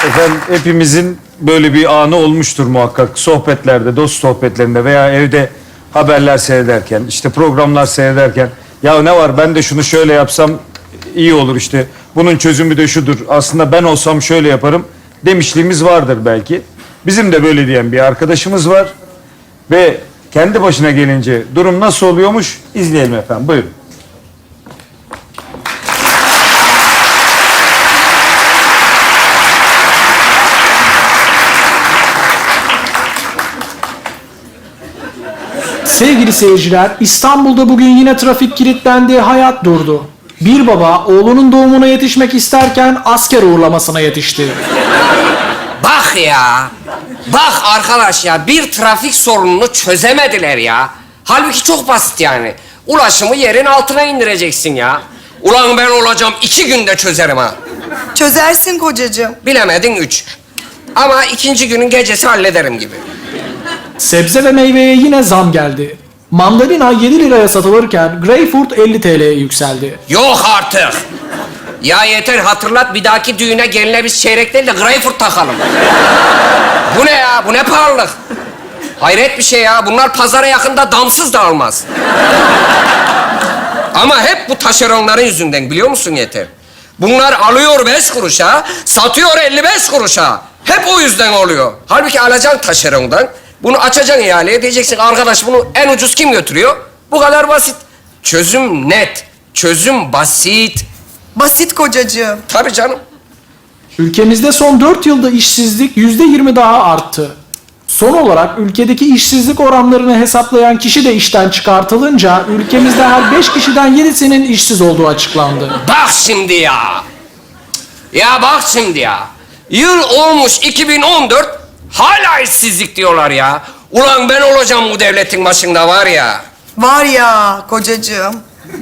Efendim hepimizin böyle bir anı olmuştur muhakkak. Sohbetlerde, dost sohbetlerinde veya evde haberler seyrederken, işte programlar seyrederken. Ya ne var ben de şunu şöyle yapsam iyi olur işte. Bunun çözümü de şudur. Aslında ben olsam şöyle yaparım demişliğimiz vardır belki. Bizim de böyle diyen bir arkadaşımız var. Ve kendi başına gelince durum nasıl oluyormuş izleyelim efendim. Buyurun. Sevgili seyirciler, İstanbul'da bugün yine trafik kilitlendi, hayat durdu. Bir baba oğlunun doğumuna yetişmek isterken asker uğurlamasına yetişti. Bak ya. Bak arkadaş ya, bir trafik sorununu çözemediler ya. Halbuki çok basit yani. Ulaşımı yerin altına indireceksin ya. Ulan ben olacağım 2 günde çözerim ha. Çözersin kocacığım. Bilemedin 3. Ama 2. günün gecesi hallederim gibi. Sebze ve meyveye yine zam geldi. Mandalina 7 liraya satılırken greyfurt 50 TL'ye yükseldi. Yok artık. Ya yeter, hatırlat, bir dahaki düğüne geline biz çeyrek değil de greyfurt takalım. Bu ne ya? Bu ne pahalılık? Hayret bir şey ya. Bunlar pazara yakında damsız da almaz. Ama hep bu taşeronların yüzünden, biliyor musun yeter? Bunlar alıyor 5 kuruşa, satıyor 55 kuruşa. Hep o yüzden oluyor. Halbuki alacaksın taşerondan, bunu açacaksın ihaleye, diyeceksin arkadaş bunu en ucuz kim götürüyor? Bu kadar basit. Çözüm net, çözüm basit. Basit kocacığım. Tabii canım. Ülkemizde son 4 yılda işsizlik %20 daha arttı. Son olarak ülkedeki işsizlik oranlarını hesaplayan kişi de işten çıkartılınca ülkemizde her 5 kişiden 7'sinin işsiz olduğu açıklandı. Bak şimdi ya. Ya bak şimdi ya. Yıl olmuş 2014, hala işsizlik diyorlar ya. Ulan ben olacağım bu devletin başında var ya. Var ya kocacığım.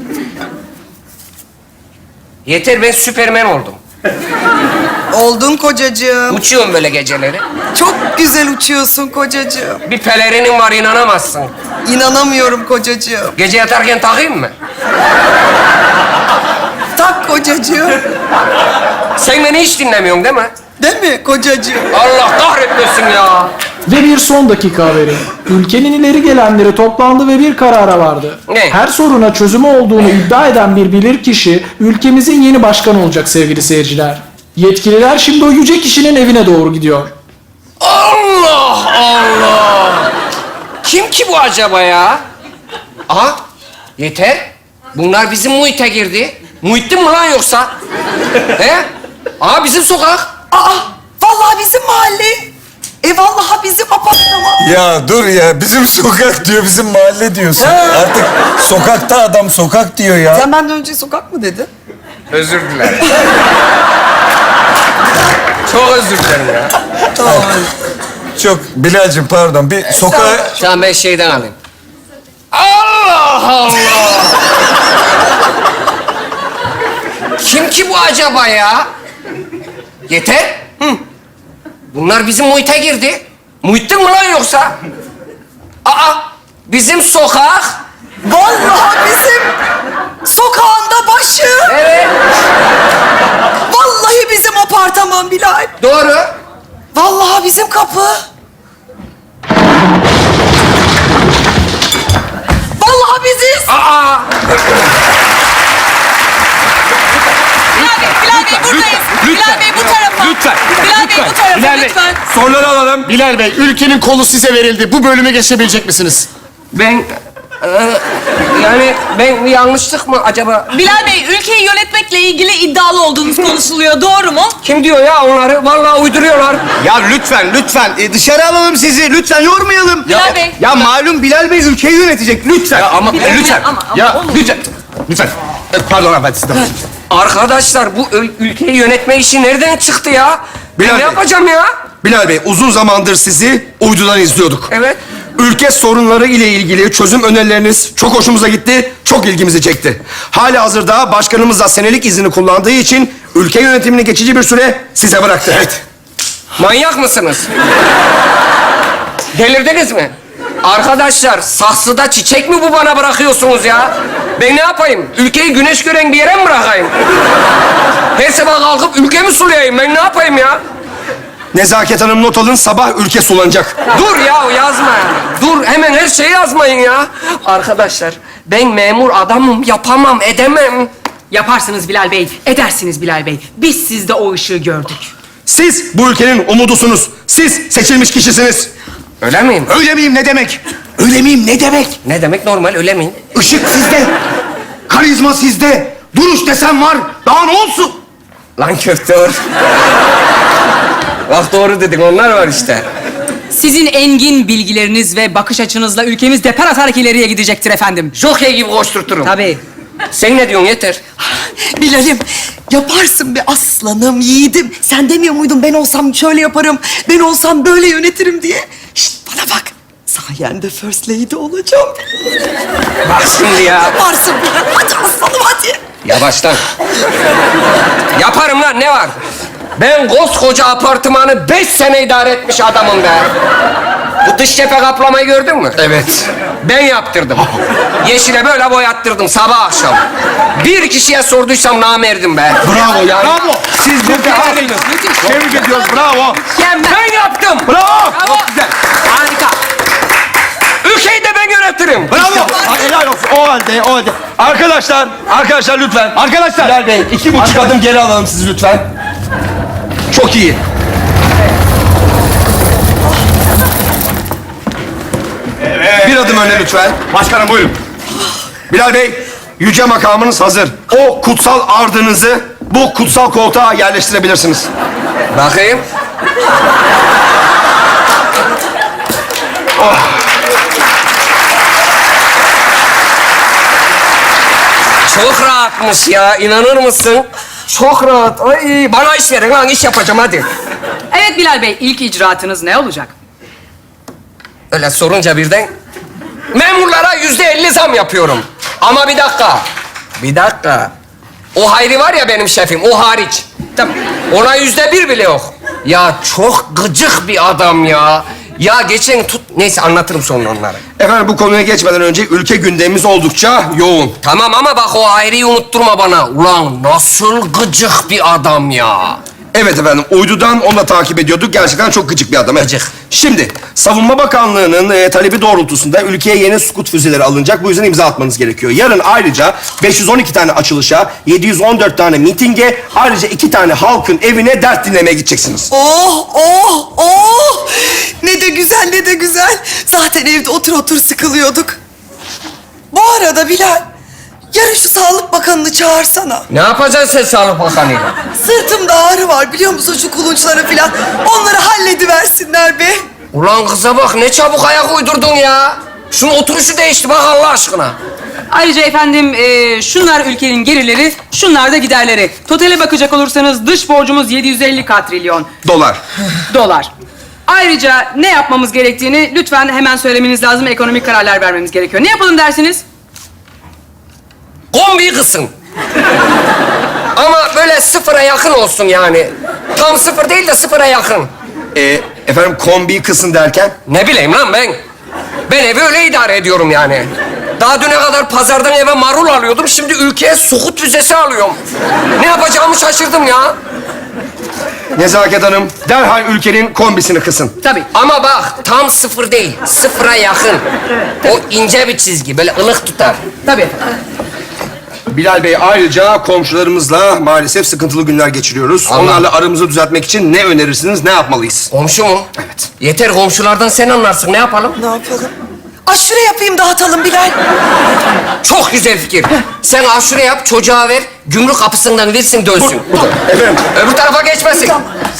Yeter, ben Süpermen oldum. Oldun kocacığım. Uçuyorum böyle geceleri. Çok güzel uçuyorsun kocacığım. Bir pelerinim var, inanamazsın. İnanamıyorum kocacığım. Gece yatarken takayım mı? Tak kocacığım. Sen beni hiç dinlemiyorsun değil mi? Değil mi kocacığım? Allah kahretmesin ya. Ve bir son dakika haberi. Ülkenin ileri gelenleri toplandı ve bir karara vardı. Ne? Her soruna çözümü olduğunu iddia eden bir bilirkişi ülkemizin yeni başkanı olacak sevgili seyirciler. Yetkililer şimdi o yüce kişinin evine doğru gidiyor. Allah Allah. Kim ki bu acaba ya? Aha, yeter. Bunlar bizim muhite girdi. Muhittin mi lan yoksa? He? Aa, bizim sokak. Aa, vallahi bizim mahalle. Vallahi bizim apartman. Ya dur ya, bizim sokak diyor, bizim mahalle diyorsun. Artık sokakta adam sokak diyor ya. Sen benden önce sokak mı dedin? Özür dilerim. Çok özür dilerim ya. Tamam. Çok, Bilal'cim pardon, bir sokağa... Tamam, ben şeyden alayım. Allah Allah! Kim ki bu acaba ya? Yeter. Hı. Bunlar bizim muhite girdi. Muhittin mi lan yoksa? Aa, bizim sokak. Vallahi bizim sokağında başı. Evet, Vallahi bizim apartman Bilal. doğru. Vallahi bizim kapı. Vallahi biziz. Aa, Bilal Bey buradayız. Bilal Bey bu tarafa. Lütfen. Bilal Bey bu tarafa Bilal Bey. lütfen. Soruları alalım. Bilal Bey, ülkenin kolu size verildi. Bu bölümü geçebilecek misiniz? ben... yani ben yanlışlık mı acaba? Bilal Bey ülkeyi yönetmekle ilgili iddialı olduğunuz konuşuluyor. Doğru mu? Kim diyor ya onları? Vallahi uyduruyorlar. Ya lütfen. Dışarı alalım sizi. Lütfen yormayalım. Bilal Bey. Ya malum Bilal Bey ülkeyi yönetecek. Lütfen. Ya ama Bilal Bey, lütfen. ama Ya olur. lütfen. Pardon hanımefendi sizden. Arkadaşlar bu ülkeyi yönetme işi nereden çıktı ya? Ben Bilal ne Bey. yapacağım ya? Bilal Bey, uzun zamandır sizi uydudan izliyorduk. Evet. Ülke sorunları ile ilgili çözüm önerileriniz çok hoşumuza gitti, çok ilgimizi çekti. Halihazırda başkanımız da senelik izni kullandığı için ülke yönetimini geçici bir süre size bıraktı. Evet. Manyak mısınız? Delirdiniz mi? Arkadaşlar saksıda çiçek mi bu bana bırakıyorsunuz ya? Ben ne yapayım? Ülkeyi güneş gören bir yere mi bırakayım? Her sabah kalkıp ülkemi sulayayım. Ben ne yapayım ya? Nezaket Hanım not alın, sabah ülke sulanacak. Dur ya yazma yani. Dur hemen her şeyi yazmayın ya. Arkadaşlar ben memur adamım yapamam edemem. Yaparsınız Bilal Bey, edersiniz Bilal Bey. Biz sizde o ışığı gördük. Siz bu ülkenin umudusunuz. Siz seçilmiş kişisiniz. Öyle miyim? Öyle miyim ne demek? Öyle miyim ne demek? Ne demek normal öyle miyim? Işık sizde. Karizma sizde. Duruş desen var. Daha ne olsun? Lan köftör. Bak doğru dedin onlar var işte. Sizin engin bilgileriniz ve bakış açınızla ülkemiz depar atarak ileriye gidecektir efendim. Jockey gibi koşturturum. Tabii. Sen ne diyorsun yeter. Bilal'im yaparsın be aslanım, yiğidim. Sen demiyor muydun ben olsam şöyle yaparım, ben olsam böyle yönetirim diye? Şişt bana bak. Sayende first lady olacağım. Bak şimdi ya. Yaparsın Bilal. Hadi aslanım hadi. Yavaştan. Yaparım lan ne var? Ben koskoca apartmanı 5 sene idare etmiş adamım be. Bu dış cephe kaplamayı gördün mü? Evet. Ben yaptırdım. Yeşile böyle boyattırdım sabah akşam. Bir kişiye sorduysam namerdim be. Bravo ya. Bravo. Siz burada aferin. Tebrik ediyoruz. Bravo. Ben yaptım. Bravo. Çok güzel. Harika. Ülkeyi de ben yönetirim. Bravo. Helal olsun. O halde. Arkadaşlar lütfen. Arkadaşlar. Bilal Bey, 2,5 adım geri alalım sizi lütfen. Çok iyi. Evet. Bir adım öne lütfen. Başkanım buyurun. Bilal Bey, yüce makamınız hazır. O kutsal ardınızı bu kutsal koltuğa yerleştirebilirsiniz. Bakayım. Çok rahatmış ya, inanır mısın? Çok rahat. Ay, bana iş verin lan, iş yapacağım hadi. Evet Bilal Bey, ilk icraatınız ne olacak? Öyle sorunca birden... Memurlara %50 zam yapıyorum. Ama bir dakika. O Hayri var ya benim şefim, o hariç. Tabii, ona %1 bile yok. Ya çok gıcık bir adam ya. Ya geçen Neyse anlatırım sonra onları. Efendim bu konuya geçmeden önce ülke gündemimiz oldukça yoğun. Tamam ama bak o Hayri'yi unutturma bana. Ulan nasıl gıcık bir adam ya. Evet efendim, uydudan onu da takip ediyorduk. Gerçekten çok gıcık bir adam. Evet. Gıcık. Şimdi, Savunma Bakanlığı'nın talebi doğrultusunda ülkeye yeni Sukut füzeleri alınacak. Bu yüzden imza atmanız gerekiyor. Yarın ayrıca 512 tane açılışa, 714 tane mitinge, ayrıca 2 tane halkın evine dert dinlemeye gideceksiniz. Oh! Ne de güzel, ne de güzel. Zaten evde otur sıkılıyorduk. Bu arada Bilal, yarın şu Sağlık Bakanı'nı çağırsana. Ne yapacaksın sen Sağlık Bakanı'yla? Sırtımda ağrı var biliyor musun şu kulunçları falan. Onları hallediversinler be. Ulan kıza bak ne çabuk ayak uydurdun ya. Şunun oturuşu değişti bak Allah aşkına. Ayrıca efendim şunlar ülkenin gelirleri, şunlar da giderleri. Totale bakacak olursanız dış borcumuz 750 katrilyon Dolar. Ayrıca ne yapmamız gerektiğini lütfen hemen söylemeniz lazım. Ekonomik kararlar vermemiz gerekiyor. Ne yapalım dersiniz? Kombiyi kısın. Ama böyle sıfıra yakın olsun yani. Tam sıfır değil de sıfıra yakın. Efendim kombiyi kısın derken? Ne bileyim lan ben. Ben evi öyle idare ediyorum yani. Daha düne kadar pazardan eve marul alıyordum. Şimdi ülkeye sukut füzesi alıyorum. Ne yapacağımı şaşırdım ya. Nezaket Hanım, derhal ülkenin kombisini kısın. Tabii. Ama bak tam sıfır değil. Sıfıra yakın. O ince bir çizgi. Böyle ılık tutar. Tabii. Bilal Bey, ayrıca komşularımızla maalesef sıkıntılı günler geçiriyoruz. Allah. Onlarla aramızı düzeltmek için ne önerirsiniz, ne yapmalıyız? Komşu mu? Evet. Yeter komşulardan sen anlarsın. Ne yapalım? Ne yapalım? Aşure yapayım dağıtalım Bilal. Çok güzel fikir. Sen aşure yap, çocuğa ver. Gümrük kapısından versin dönsün. Efendim, Öbür tarafa geçmesin.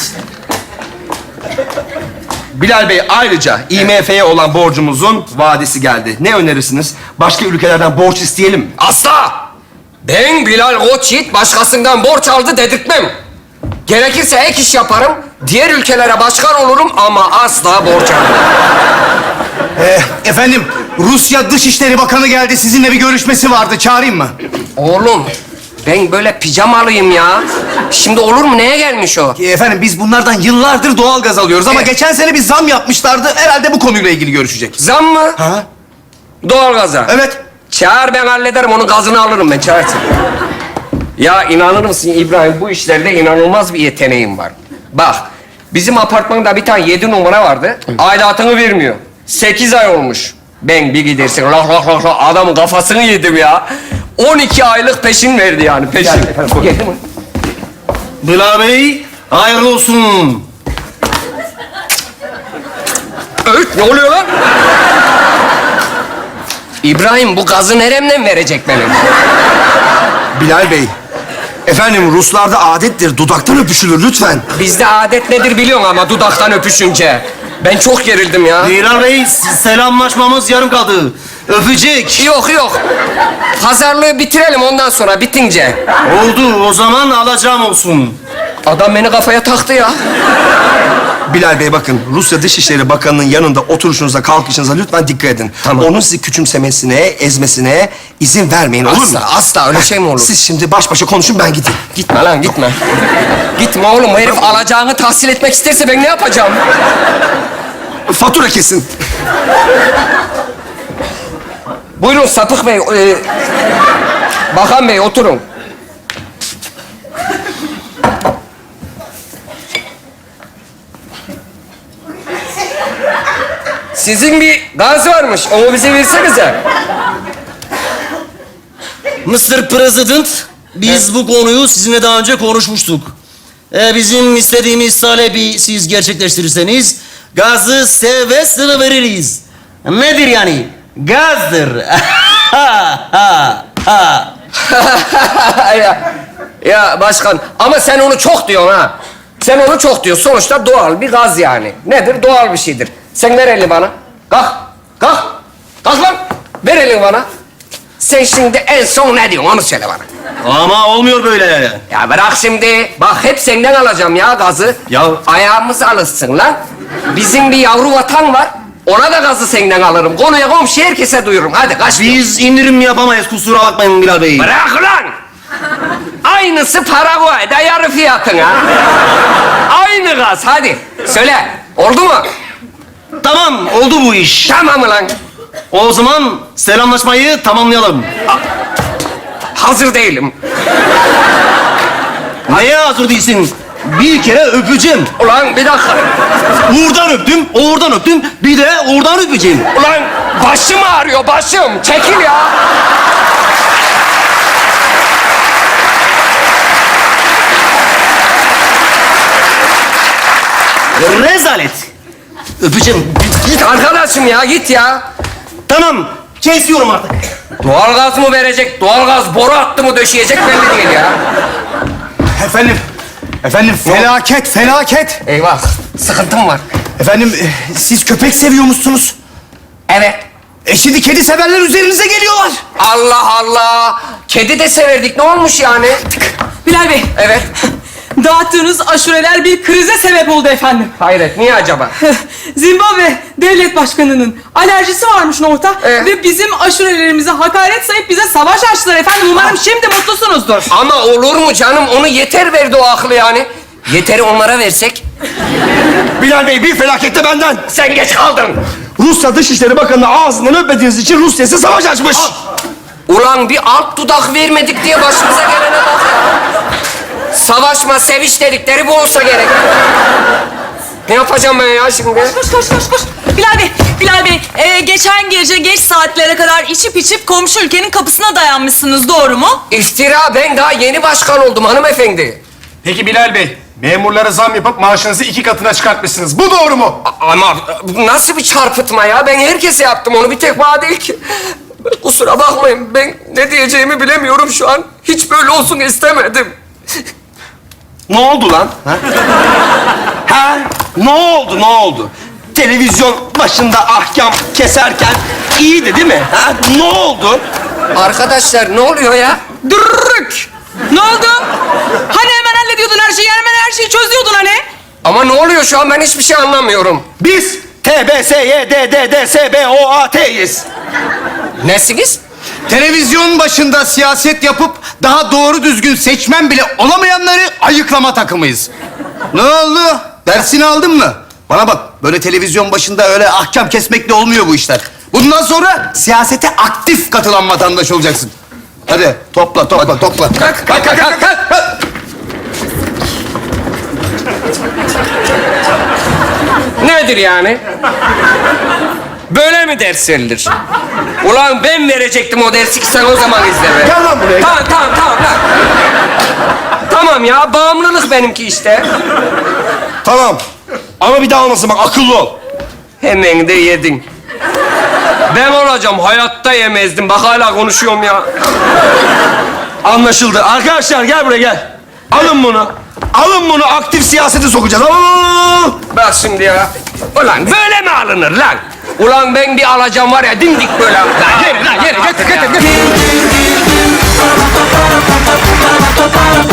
Bilal Bey, ayrıca IMF'ye olan borcumuzun vadesi geldi. Ne önerirsiniz? Başka ülkelerden borç isteyelim mi? Asla! Ben Bilal Koçyiğit başkasından borç aldı dedirtmem. Gerekirse ek iş yaparım, diğer ülkelere başkan olurum ama asla borç almam. Efendim, Rusya Dışişleri Bakanı geldi. Sizinle bir görüşmesi vardı. Çağırayım mı? Oğlum, ben böyle pijamalıyım ya. Şimdi olur mu? Neye gelmiş o? Efendim, biz bunlardan yıllardır doğalgaz alıyoruz ama Evet. geçen sene bir zam yapmışlardı. Herhalde bu konuyla ilgili görüşecek. Zam mı? Ha? Doğalgaza. Evet. Çağır ben hallederim, onun gazını alırım ben, çağırsın. Ya inanır mısın İbrahim, bu işlerde inanılmaz bir yeteneğim var. Bak, Bizim apartmanda bir tane 7 numara vardı. Aidatını vermiyor. 8 ay olmuş. Ben bir gidersin adamın kafasını yedim ya. 12 aylık peşin verdi yani peşin. Geldi mi? Bilal Bey, hayırlı olsun. Öğüt ne oluyor lan? İbrahim bu gazı neremden verecek benim? Bilal Bey, efendim Ruslarda adettir dudaktan öpüşülür lütfen. Bizde adet nedir biliyorsun ama dudaktan öpüşünce. Ben çok gerildim ya. Bilal Bey, selamlaşmamız yarım kaldı. Öpecek. Yok. Pazarlığı bitirelim ondan sonra bitince. Oldu, o zaman alacağım olsun. Adam beni kafaya taktı ya. Bilal Bey bakın, Rusya Dışişleri Bakanı'nın yanında oturuşunuza, kalkışınıza lütfen dikkat edin. Tamam. Onun sizi küçümsemesine, ezmesine izin vermeyin, olur mu? Asla öyle şey mi olur? Siz şimdi baş başa konuşun, ben gideyim. Gitme lan gitme. Gitme oğlum, bu herif alacağını tahsil etmek isterse ben ne yapacağım? Fatura kesin. Buyurun Sapık Bey. Bakan Bey oturun. Sizin bir gaz varmış, onu bize versenize. Mr. President, biz bu konuyu sizinle daha önce konuşmuştuk. Bizim istediğimiz talebi siz gerçekleştirirseniz gazı seve seve veririz. Nedir yani? Gazdır. ya başkan, ama sen onu çok diyorsun ha. Sen onu çok diyorsun. Sonuçta doğal bir gaz yani. Nedir? Doğal bir şeydir. Sen ver elini bana. Kalk. Kalk lan. Ver elini bana. Sen şimdi en son ne diyorsun onu söyle bana. Ama olmuyor böyle. Ya bırak şimdi. Bak hep senden alacağım ya gazı. Ya- Ayağımız alışsın lan. Bizim bir yavru vatan var. Ona da gazı senden alırım. Konuya komşu herkese duyururum. Hadi kaç. Biz indirim yapamayız, kusura bakmayın Bilal Bey. Bırak lan! Aynısı Paraguay'da yarı fiyatına. Aynı gaz, hadi. Söyle, oldu mu? Tamam, oldu bu iş. Tamam mı lan? O zaman selamlaşmayı tamamlayalım. Hazır değilim. Neye hazır değilsin? Bir kere öpeceğim. Ulan bir dakika. Uğur'dan öptüm, Uğur'dan öptüm. Bir de Uğur'dan öpeceğim. Ulan başım ağrıyor, başım. Çekil ya. Rezalet. Öpeceğim. Git arkadaşım ya, git ya. Tamam, kesiyorum artık. Doğalgaz mı verecek, doğalgaz boru hattı mı döşeyecek belli değil ya. Efendim felaket. Eyvah, sıkıntım var. Efendim siz köpek seviyormuşsunuz. Evet. Şimdi kedi severler üzerinize geliyorlar. Allah Allah. Kedi de severdik, ne olmuş yani? Bilal Bey, Evet. dağıttığınız aşureler bir krize sebep oldu efendim. Hayret, niye acaba? Zimbabwe devlet başkanının alerjisi varmış orta ve bizim aşurelerimize hakaret sayıp bize savaş açtılar efendim. Umarım şimdi mutlusunuzdur. Ama olur mu canım? Onu Yeter verdi o aklı yani. Yeter'i onlara versek. Bilal Bey, bir felaket de benden. Sen geç kaldın. Rusya Dışişleri Bakanı'nı ağzından öpmediğiniz için Rusya size savaş açmış. Ulan bir alt dudak vermedik diye başımıza gelene bak ya. Savaşma, seviş dedikleri bu olsa gerek. Ne yapacağım ben ya şimdi? Koş. Bilal Bey, geçen gece geç saatlere kadar içip komşu ülkenin kapısına dayanmışsınız, doğru mu? İftira, ben daha yeni başkan oldum hanımefendi. Peki Bilal Bey, memurlara zam yapıp maaşınızı 2 katına çıkartmışsınız. Bu doğru mu? Ama bu nasıl bir çarpıtma ya? Ben herkese yaptım onu, bir tek bana değil ki. Kusura bakmayın, ben ne diyeceğimi bilemiyorum şu an. Hiç böyle olsun istemedim. Ne oldu lan? Ha? Ne oldu? Televizyon başında ahkam keserken iyiydi değil mi? Ha? Ne oldu? Arkadaşlar ne oluyor ya? Dürrük! Ne oldu? Hani hemen hallediyordun her şeyi, hemen her şeyi çözüyordun hani? Ama ne oluyor şu an, ben hiçbir şey anlamıyorum. Biz TBSYDDDSBOAT'yiz. Nesiniz? Televizyon başında siyaset yapıp daha doğru düzgün seçmen bile olamayanları ayıklama takımıyız. Ne oldu? Dersini aldın mı? Bana bak, böyle televizyon başında öyle ahkam kesmekle olmuyor bu işler. Bundan sonra siyasete aktif katılan vatandaş olacaksın. Hadi topla. Kalk. nedir yani? Böyle mi ders verilir? Ulan ben verecektim o dersi ki sen o zaman izle be. Gel lan buraya. Tamam lan. Tamam ya, bağımlılık benimki işte. Tamam. Ama bir daha olmasın bak, akıllı ol. Hemen de yedin. Ben olacağım, hayatta yemezdim. Bak hala konuşuyorum ya. Anlaşıldı. Arkadaşlar gel buraya gel. Alın bunu. Alın bunu, aktif siyasete sokacağız. Al. Bak şimdi ya. Ulan böyle mi alınır lan? Ulan ben bir alacağım var ya, dimdik böyle. Lan yere, getir.